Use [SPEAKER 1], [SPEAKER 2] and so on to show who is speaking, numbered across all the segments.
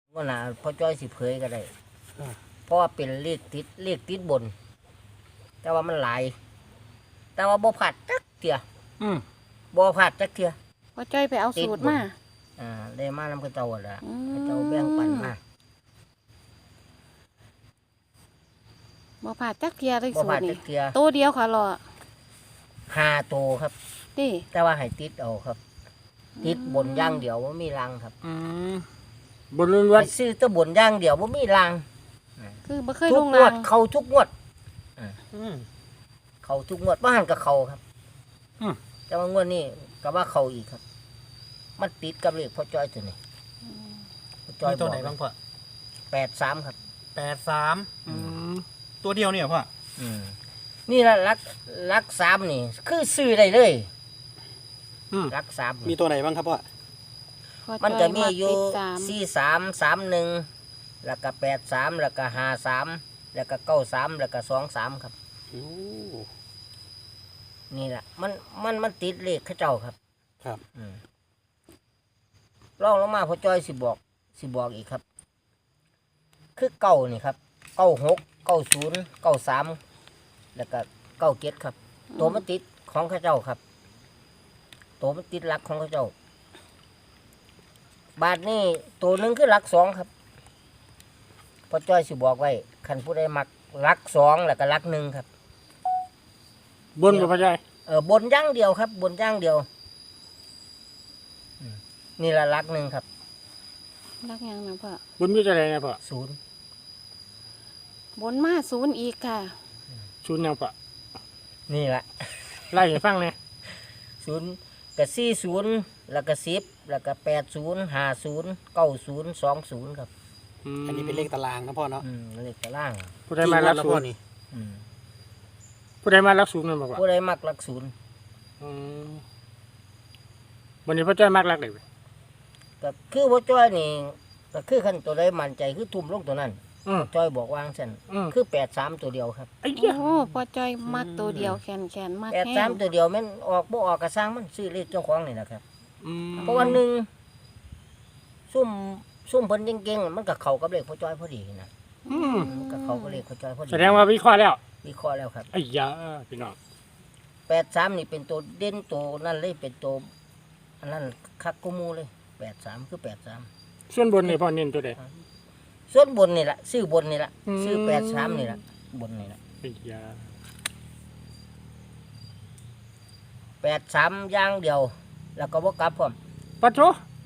[SPEAKER 1] ว่าน่ะพอจ้อยสิเผยก็ได้เพราะว่าเป็นเลขติดบน แต่ว่ามันหลายแต่ว่าบ่ผัดจักเทียบ่ผัดจักเทีย
[SPEAKER 2] พอจ้อยไปเอาสูตรมา
[SPEAKER 1] ได้มานำกระเจ้าละกระเจ้าแบ่งปันมา
[SPEAKER 2] บ่ผ่าจักเทียเลย
[SPEAKER 1] บ่
[SPEAKER 2] สู
[SPEAKER 1] ผั
[SPEAKER 2] ต
[SPEAKER 1] ด
[SPEAKER 2] ร
[SPEAKER 1] จั
[SPEAKER 2] นี่
[SPEAKER 1] กเทีย
[SPEAKER 2] ตัวเดียวค่ะรอ
[SPEAKER 1] 5 ตัวครับ
[SPEAKER 2] ดิ
[SPEAKER 1] แต่ว่าให้ติดเอาครับ ติดบนอย่างเดียวบ่มีรางครับ
[SPEAKER 3] บนล้วน
[SPEAKER 1] ไปซื้อแตะบนอย่างเดียวบ่มีราง
[SPEAKER 2] คือบ่เคย
[SPEAKER 1] ทุ
[SPEAKER 2] ล
[SPEAKER 1] ก
[SPEAKER 2] ง
[SPEAKER 1] ง
[SPEAKER 2] ราว
[SPEAKER 1] ด
[SPEAKER 2] ง
[SPEAKER 1] เข้าทุกงวด
[SPEAKER 3] ๆ
[SPEAKER 1] เข้าทุกงวดบ่หันกับเข้าครับ แต่ว่างวดนี้ก็ว่าเข้าอีกครับ มันติดกับเลขพ่อจ้อยตัวนี้พ่อจ้อย
[SPEAKER 4] มีตัวไหนบ้างพ่อ
[SPEAKER 1] 83ครับ
[SPEAKER 4] 83ตัวเดียวเนี่ยพ่อ
[SPEAKER 1] นี่ละลัก3นี่คือซื้อได้เลยลัก3
[SPEAKER 4] มีตัวไหนบ้างครับพ่อ
[SPEAKER 2] พอ
[SPEAKER 1] มัน
[SPEAKER 2] จ้
[SPEAKER 1] จะ
[SPEAKER 2] อย
[SPEAKER 1] มีอยู่
[SPEAKER 2] ติด
[SPEAKER 1] 4331แล้วก็83แล้วก็53แล้วก็93แล้วก็23ครับ นี่แหละมันติดเลขเขาเจ้าครับ
[SPEAKER 4] ครับ
[SPEAKER 1] ลองลงมาพ่อจ้อยสิบอกอีกครับ คือเก้านี่ครับ96 90 93แล้วก็97ครับ ตัวมันติดของเขาเจ้าครับ ตัวมันติดหลักของเขาเจ้า บาทนี่ตัวหนึงคือหลัก2ครับพ่อจ้อยสิบอกไว้คันผู้ใดมักหลัก2แล้วก็หลัก1ครับ
[SPEAKER 3] บนกับพระใจ
[SPEAKER 1] บนอย่างเดียวครับ บนอย่างเดียวนี่ละหลัก1ครับ
[SPEAKER 2] รักยังนะพ่อบ
[SPEAKER 3] นมีอะไรนะพ่อ
[SPEAKER 1] 0
[SPEAKER 2] บนมาศูนย์อีกค่ะ
[SPEAKER 3] ศูนย์ยังพ่อ
[SPEAKER 1] นี่ละ
[SPEAKER 3] ไล่ให้ฟังเนี่ย
[SPEAKER 1] 0กับ40แล้วก็10แล้วก็80 50 90 20ครับ
[SPEAKER 4] อันนี้เป็นเลขตารางนะพ่อเนาะ
[SPEAKER 1] เลขตาราง
[SPEAKER 3] ผู้ใดมารัก
[SPEAKER 4] แล้ว
[SPEAKER 3] ศู
[SPEAKER 4] พ่อน
[SPEAKER 3] ย์
[SPEAKER 4] นี่
[SPEAKER 3] ผู้ใดมารักศูนย์นั่นบอกว่า
[SPEAKER 1] ผู้ใดมักหลัก0
[SPEAKER 3] วันนี้พ่อจ้อยมากรักเลย
[SPEAKER 1] ก็คือพ่อจ้อยนี่ก็คือขั้นตัวใดมั่นใจคือทุ่มลงตัวนั้นจ้อยบอกวางเส้นคือ83ตัวเดียวครับ
[SPEAKER 3] ไอ้เหี้ย
[SPEAKER 2] โอ้พอจ้อยมักตัวเดียวแขนมากแห้ง
[SPEAKER 1] 83ตัวเดียวแม่นออกบ่ออกกระซังมันซื้อเลขเจ้าของนี่แหละครับเพราะว่าหนึ่งซุ่มเพิ่นเก่งๆมันก็เข้ากับเลขพ่อจ้อยพอดีนะมันก็เข้ากับเลขพ่อจ้อยพอดี
[SPEAKER 3] แสดงว่าวิเคราะห์แล้ว
[SPEAKER 1] วิเคราะห์แล้วครับ
[SPEAKER 3] ไอ้ยาพี่น้อง
[SPEAKER 1] 83นี่เป็นตัวเด่นตัวนั่นเลยเป็นตัวอันนั้นคักกูมูเลย83คือ83
[SPEAKER 3] ส่วนบนนี่พ่อเน้นตัวใด
[SPEAKER 1] ส่วนบนนี่ล่ะซื้อบนนี่ล่ะซื้อ83นี่ล่ะบนนี่ล่ะ
[SPEAKER 3] ไอ้ยา
[SPEAKER 1] 83อย่างเดียว แล้วก็บ่กลับพร้อม
[SPEAKER 3] ปัดโถ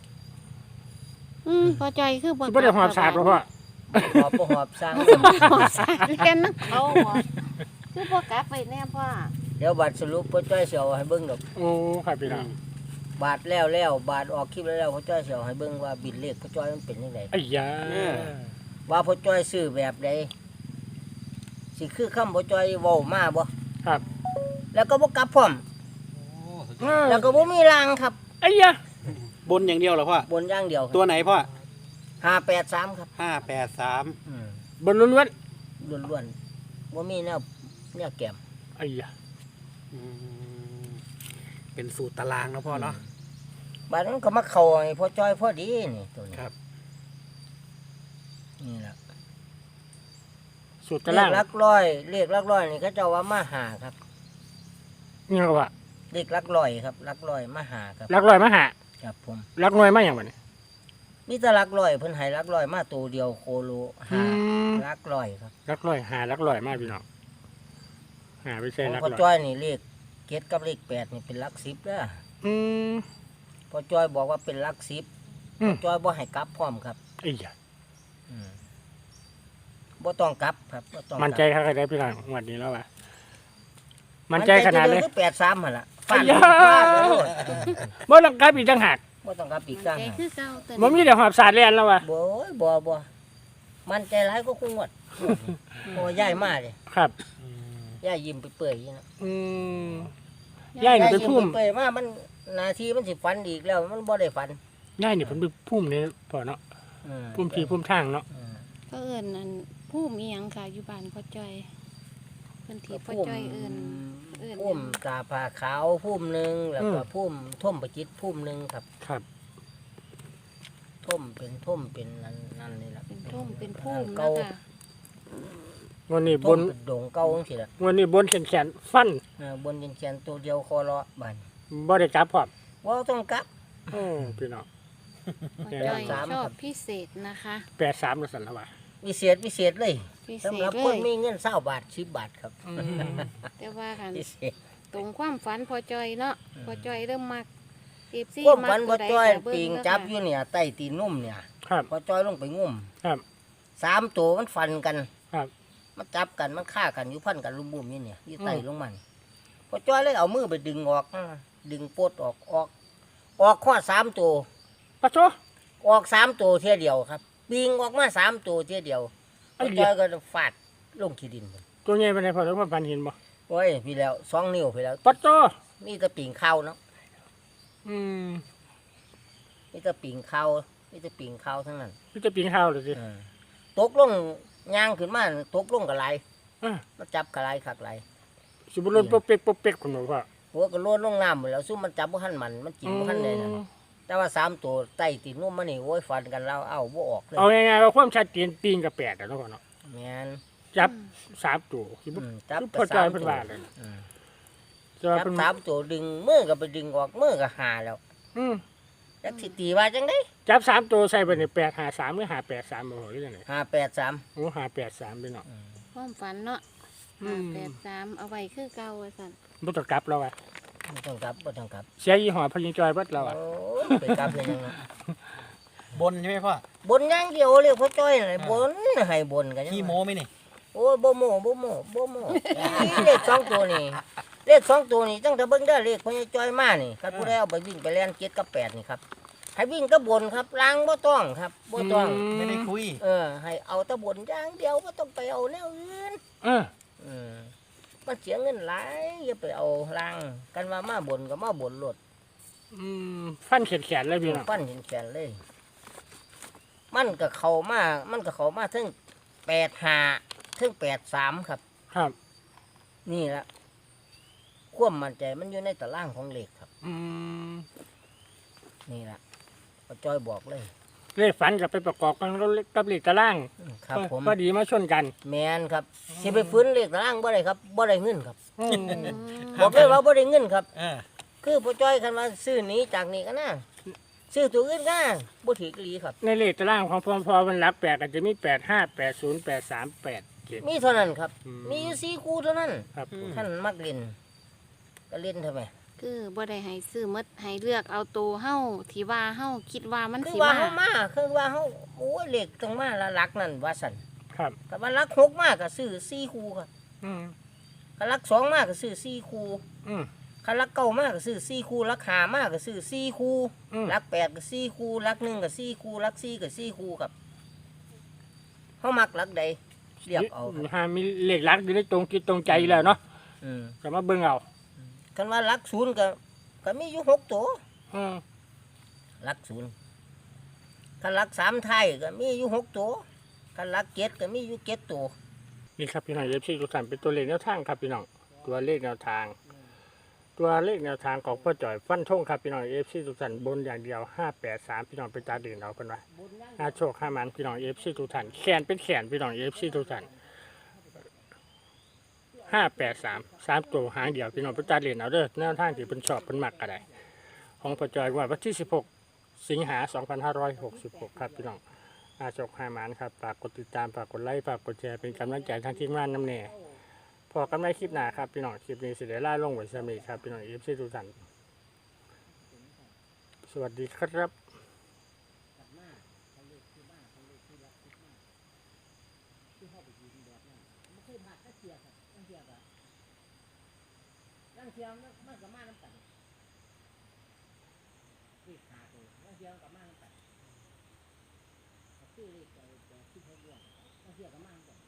[SPEAKER 2] พอจ้อยคือบ่
[SPEAKER 3] ที่บ่ได้หอบสาดบ่พ่อ
[SPEAKER 1] บ่หอบสร้าง
[SPEAKER 2] หอบสาดเรียนนักเขาหอบคือบ่กลับไปแน่พ่อ
[SPEAKER 1] เดี๋ยวบัดสรุปพ่อจ้อยสิเอาให้เบิ่งดอก
[SPEAKER 3] โอ้ครับพี่น้อง
[SPEAKER 1] บาทแล้วบาทออกคลิปแล้วพ่อจ้อยสิเอาให้เบิ่งว่าบินเลขพ่อจ้อยมันเป็นจังได
[SPEAKER 3] ไอ้ยา
[SPEAKER 1] ว่าพ่อจ้อยซื้อแบบใดสิคือคำพ่อจ้อยเว้ามาบ่
[SPEAKER 3] ครับ
[SPEAKER 1] แล้วก็บ่กลับพร้อมแล้วก็บ่มีรางครับ
[SPEAKER 3] ไอ้ยา
[SPEAKER 4] บนอย่างเดียวเหรอพ่อบ
[SPEAKER 1] นอย่างเดียว
[SPEAKER 4] ตัวไหนพ่อ
[SPEAKER 1] 583ครับ
[SPEAKER 4] 583
[SPEAKER 3] บนล้วน
[SPEAKER 1] ล้วนๆบ่มีแนวแก้ม
[SPEAKER 3] ๆไอ้ยา
[SPEAKER 4] เป็นสูตรตารางนะพ่อเนาะ
[SPEAKER 1] บาดนั้นก็มาเข้าให้พ่อจ้อยพอดีนี่ตัวนี้
[SPEAKER 4] ครับ
[SPEAKER 1] นี่ล่ะ
[SPEAKER 3] สูตร
[SPEAKER 1] เล
[SPEAKER 3] ตาราง
[SPEAKER 1] ขหลักร้อยเลขหลักร้อยนี่เขาเจ้าว่ามาหาครับ
[SPEAKER 3] นี่ก็ว่า
[SPEAKER 1] เลขหลักร้อยครับหลักร้อยมาหาครับ
[SPEAKER 3] รักลอยมาหา
[SPEAKER 1] ครับผม
[SPEAKER 3] รักน้อยมาอย่างวันนี้
[SPEAKER 1] มีแต่หลักร้อยเพิ่นให้หลักร้อยมาตัวเดียวโคโลหาหลักร้อยครับ
[SPEAKER 3] รักลอยหารักลอยมาพี่น้องหาไป
[SPEAKER 1] ข
[SPEAKER 3] ใช่
[SPEAKER 1] อง
[SPEAKER 3] รัก
[SPEAKER 1] พ่อ
[SPEAKER 3] ลอย
[SPEAKER 1] จ้อยนี่เลข7กับเลข8นี่เป็นหลัก10เด้อ
[SPEAKER 3] ม
[SPEAKER 1] พ่อจ้อยบอกว่าเป็นหลัก10พ่อจ้อยบ่ให้กลับพร้อมครับ
[SPEAKER 3] ไอ้ยา
[SPEAKER 1] บ่ต้องกลับครับบ่ต้องกลับ
[SPEAKER 3] มันใจขนาดไหนพี่น้องวันนี้แล้วว่ะมันใจขนาดเลย
[SPEAKER 1] คือ83หั่นล่ะฟาด
[SPEAKER 3] อ้ยา
[SPEAKER 1] ฟาดเลย
[SPEAKER 3] บ่ต้องกลับอีกต่างหาก
[SPEAKER 1] บ่ต้องกลับอีก
[SPEAKER 2] ใจ
[SPEAKER 1] ต่างหาก
[SPEAKER 2] คือเก่าแต่
[SPEAKER 3] บ่มีแต่หอบสาดเรียนแล้วว่ะ
[SPEAKER 1] บ่มันใจร้ายก็คงงวดโอ้ย้ายมาเด้
[SPEAKER 3] ครับ
[SPEAKER 1] ย้ายยิ้มไปเปื่อยๆนะ
[SPEAKER 3] อืมย่ายนี่เป็นพุ่ม
[SPEAKER 1] เปื่อยมามันหนาทีมันสิฝันอีกแล้ว มันบ่ได้ฝัน
[SPEAKER 3] ย่ายนี่เป็นพุ่มนี่พอเนาะพุ่มทีพุ่มทางเนาะ
[SPEAKER 2] ก็เอิ้นนั่นผู้มีหยังค่ะอยู่บ้านพ่อจ้อยเพิ่นที่พ่อจ้อยเอิ้น
[SPEAKER 1] พุ่มตาผ้าขาวพุ่มหนึ่งแล้วก็พุ่มท่มประจิตพุ่มหนึ่งครับ
[SPEAKER 3] ครับ
[SPEAKER 1] ท่มเป็นนั่น
[SPEAKER 2] ท่มเป็นพุ่ม
[SPEAKER 1] เก่า
[SPEAKER 2] นะคะ
[SPEAKER 3] วันนี้บ
[SPEAKER 1] ต้
[SPEAKER 3] น
[SPEAKER 1] นเป็นดงเก่าจังซี่ล่ะ
[SPEAKER 3] วันนี้บนแขนฟัน
[SPEAKER 1] บนแขนตัวเดียวคอเลาะบัด
[SPEAKER 3] บ่ได้กลับพร้อม
[SPEAKER 1] บ่ต้องกลับ
[SPEAKER 3] พี่น้อง
[SPEAKER 2] พ่อจ้อย
[SPEAKER 1] สาม
[SPEAKER 2] ชอบ
[SPEAKER 1] ครับ
[SPEAKER 2] พิเศษนะคะ
[SPEAKER 3] 83แล้วสั่นแล้วว่า
[SPEAKER 1] พิเศษเลย
[SPEAKER 2] พิเศ
[SPEAKER 1] สำ
[SPEAKER 2] ษ
[SPEAKER 1] หรับ
[SPEAKER 2] เล
[SPEAKER 1] คน
[SPEAKER 2] ย
[SPEAKER 1] มีเงิน20บาท10บาทครับ
[SPEAKER 2] แต่ว่ากัน
[SPEAKER 1] พิเศษ
[SPEAKER 2] ตรงความฝันพ่อจ้อยเนาะพ่อจ้อยเริ่มมักFC
[SPEAKER 1] พวก
[SPEAKER 2] มั
[SPEAKER 1] ฝัน
[SPEAKER 2] ตั
[SPEAKER 1] บ่
[SPEAKER 2] วใด
[SPEAKER 1] จ้อย
[SPEAKER 2] ก็เบิ่
[SPEAKER 1] ปิง
[SPEAKER 2] เด้อ
[SPEAKER 1] จับ
[SPEAKER 2] ค่ะ
[SPEAKER 1] อยู่เนี่ยใต้ตีนนุ่มเนี่ย
[SPEAKER 3] ครับ
[SPEAKER 1] พอจ้อยลงไปงุ่ม
[SPEAKER 3] ครับ
[SPEAKER 1] 3ตัวมันฟันกัน
[SPEAKER 3] ครับ
[SPEAKER 1] มันจับกันมันฆ่ากันอยู่พันกันลุมบุ่มนี่เนี่ยอยู่ใต้ลงมันพอจ้อยเลยเอามือไปดึงออกดึงปลดออกข้อ3ตัว
[SPEAKER 3] ปะโซ
[SPEAKER 1] ออก3ตัวเทียเดียวครับปิงออกมา3ตัวเทียเดียวพ
[SPEAKER 3] ไอ้
[SPEAKER 1] อ
[SPEAKER 3] เหี้
[SPEAKER 1] จ้อย ยก็ฟาดลงขี้ดิน
[SPEAKER 3] ตัวใหญ่ปานใดพอแล้วความฝันเห็นบ่
[SPEAKER 1] โอ้ยพี่แล้ว2 นิ้วพี่แล้ว
[SPEAKER 3] ปะโซ
[SPEAKER 1] นี่แต่ปิงเข้าเนาะ
[SPEAKER 3] อืม
[SPEAKER 1] นี่แต่ปิงเข้านี่แต่ปิงเข้าทั้งนั้น
[SPEAKER 3] พี่จะปีนข้าวเลยสิ
[SPEAKER 1] ตกลงย่างขึ้นมาตกลงกับไหล
[SPEAKER 3] อ่ะ
[SPEAKER 1] มาจับกับไหลคักไหล
[SPEAKER 3] สิบ่ลนปกเป๊กคุณหนูพ่อ
[SPEAKER 1] หัวก็โลดลงน้ำหมดแล้วซุ่มมันจับบ่ทันมันกินบ่ทันเลยนะแต่ว่า3ตัวใต้ตีนนุ่มมันนี่โอ้ยฟันกันแล้วเอาบ่ออกเลย
[SPEAKER 3] เอาง่ายๆว่าความชัดเจนปีนกับ8อ่ะเนาะพ่อเนาะ
[SPEAKER 1] แม่น
[SPEAKER 3] จับ3ตัวสิบ่
[SPEAKER 1] จับ
[SPEAKER 3] คือ
[SPEAKER 1] ก็
[SPEAKER 3] พ่อจอย
[SPEAKER 1] 3
[SPEAKER 3] เพิ่น
[SPEAKER 1] ตัว
[SPEAKER 3] ว่าเลย
[SPEAKER 1] อืม
[SPEAKER 3] จะว่า
[SPEAKER 1] จับ
[SPEAKER 3] เพิ่น
[SPEAKER 1] 3ตัวดึงมือก็ไปดึงออกมือก็หาแล้ว
[SPEAKER 3] อืม
[SPEAKER 1] จักสิตีว่าจังได๋
[SPEAKER 3] จับ3ตัวใส่ไปนี่853หรือ583บ่หรือจังได๋
[SPEAKER 1] 583
[SPEAKER 3] โอ้583พี่น้อง
[SPEAKER 2] ความฝันเนาะ
[SPEAKER 3] อืม
[SPEAKER 2] 83เอาไว้คือเก่าว่าซั่น
[SPEAKER 3] บ่ต้องกลับแล้วอ่ะ
[SPEAKER 1] บ่ต้องกลับบ่ต้องกลับ
[SPEAKER 3] เสียยี่ห้อพญิงจอยเบิดแล้วอ่ะ
[SPEAKER 1] โอ้ยไปกลับเลยยังไง
[SPEAKER 4] บนใช่ไหมพ่อบ
[SPEAKER 1] นอย่างเดียวเลยพ่อจ้อยน่ะบนให้บนกันยัง
[SPEAKER 4] ขี้
[SPEAKER 1] ไง
[SPEAKER 4] โม้ไหมนี่
[SPEAKER 1] โอ้ยบ่โม่เลข2ตัวนี่เลข2ตัวนี่ตั้งแต่เบิ่งได้เลขพ่อใหญ่จ้อยมานี่ครับผู้ใดเอาไปวิ่งไปแล่น7กับ8นี่ครับให้วิ่งกับบนครับล้างบ่ต้องครับบ่ต้อง
[SPEAKER 4] ไม่ได้คุย
[SPEAKER 1] ให้เอาแตะบนอย่างเดียวบ่ต้องไปเอาแนวอื่น
[SPEAKER 3] เออ
[SPEAKER 1] มันเสียเงินหลายอย่าไปเอาล้างกันว่ามาบนก็มาบนโลด
[SPEAKER 3] ฟันแขนเลยพี่น้อง
[SPEAKER 1] ปั้นแขนเลย มันก็เข้ามาถึง85ถึง83ครับ
[SPEAKER 3] ครับ
[SPEAKER 1] นี่ละความมั่นใจมันอยู่ในตารางของเลขครับ
[SPEAKER 3] อืม
[SPEAKER 1] นี่ละป้าจ้อยบอกเลย
[SPEAKER 3] เลขฝันกับไปประกอบกันกับเลขตาราง
[SPEAKER 1] ครับผม
[SPEAKER 3] พอดีมาชนกัน
[SPEAKER 1] แมนครับสิไปฟื้นเลขตารางบ่ได้ครับบ่ได้เงินครับ
[SPEAKER 3] อืม
[SPEAKER 1] บอกเลยว่าบ่ได้เงินครับ
[SPEAKER 4] เออ
[SPEAKER 1] คือป้าจ้อยคันว่าซื้อหนี้จากนี้ก็น่าซื้อตัวอื่นก็บ่ถือกลีครับ
[SPEAKER 3] ในเลขตารางของพอมันรับ8ก็จะมี85 80 83 87
[SPEAKER 1] มีเท่านั้นครับ
[SPEAKER 3] อืม
[SPEAKER 1] มีอยู่4คู่เท่านั้น
[SPEAKER 3] ครับผม
[SPEAKER 1] ท่านมักเล่นก็เล่นเท่าไหร่
[SPEAKER 2] คือบ่ได้ให้ซื้อหมดให้เลือกเอาตัวเฮาที่ว่าเฮาคิดว่ามัน
[SPEAKER 1] คือ
[SPEAKER 2] สิ
[SPEAKER 1] ว่า
[SPEAKER 2] มา
[SPEAKER 1] เฮามาคือว่าเฮาโอ้ยเลขต้องมาละหลักนั่นว่าซั่น
[SPEAKER 3] ครับ
[SPEAKER 1] ก็ว่าหลัก6มาก็ซื้อ4คู่ครับ
[SPEAKER 3] อืม
[SPEAKER 1] คันหลัก2มาก็ซื้อ4คู่
[SPEAKER 3] อืม
[SPEAKER 1] คันหลัก9มาก็ซื้อ4คู่หลัก5มาก็ซื้อ4คู่
[SPEAKER 3] อืม
[SPEAKER 1] หลัก8ก็4คู่หลัก1ก็4คู่หลัก4ก็4คู่ครับเฮามักหลักใดเรียบเอาครับ
[SPEAKER 3] หามีเลขหลักอยู่ในตรงจิตตรงใจอยู่แล้วเนาะ
[SPEAKER 1] อืม
[SPEAKER 3] ก็มาเบิ่งเอา
[SPEAKER 1] คันว่าหลัก0ก็มีอยู่6ตัว
[SPEAKER 3] อืม
[SPEAKER 1] หลัก0คันหลัก3ท้ายก็มีอยู่6ตัวคันหลัก7ก็มีอยู่7ตัว
[SPEAKER 3] นี่ครับพี่น้องเอฟซีทุกท่านเป็นตัวเลขแนวทางครับพี่น้องตัวเลขแนวทาง ตัวเลขแนวทางของพ่อจ่อยฟันธงครับพี่น้องเอฟซีทุกท่านบนอย่างเดียว583พี่น้องไปตาดื่นเอาเป็นว่าโชค5มันพี่น้องเอฟซีทุกท่านแขนเป็นแขนพี่น้องเอฟซีทุกท่าน583 3ตัวหางเดียวพี่น้องไปตาดื่นเอาเด้อแนวทางที่เป็นชอบเป็นมักก็ได้ของพ่อจ่อยวันที่16 สิงหา2566ครับพี่น้องโชค5มันครับฝากกดติดตามฝากกดไลค์ฝากกดแชร์เป็นกำลังใจทางทีมงานน้ำแน่พอกันในคลิปหน้าครับพี่น้องคลิปนี้สิได้ล่าลงไว้สมีครับพี่น้องเอฟซีทุกท่านสวัสดีครับ
[SPEAKER 1] นั่งเทียมมันก็มาน้ำกันเลขหาตัวนั่งเทียมกับมาน้ำกันซื้อเลขแต่ที่เขาเรียกนั่งเทียมกับมาน้ำกัน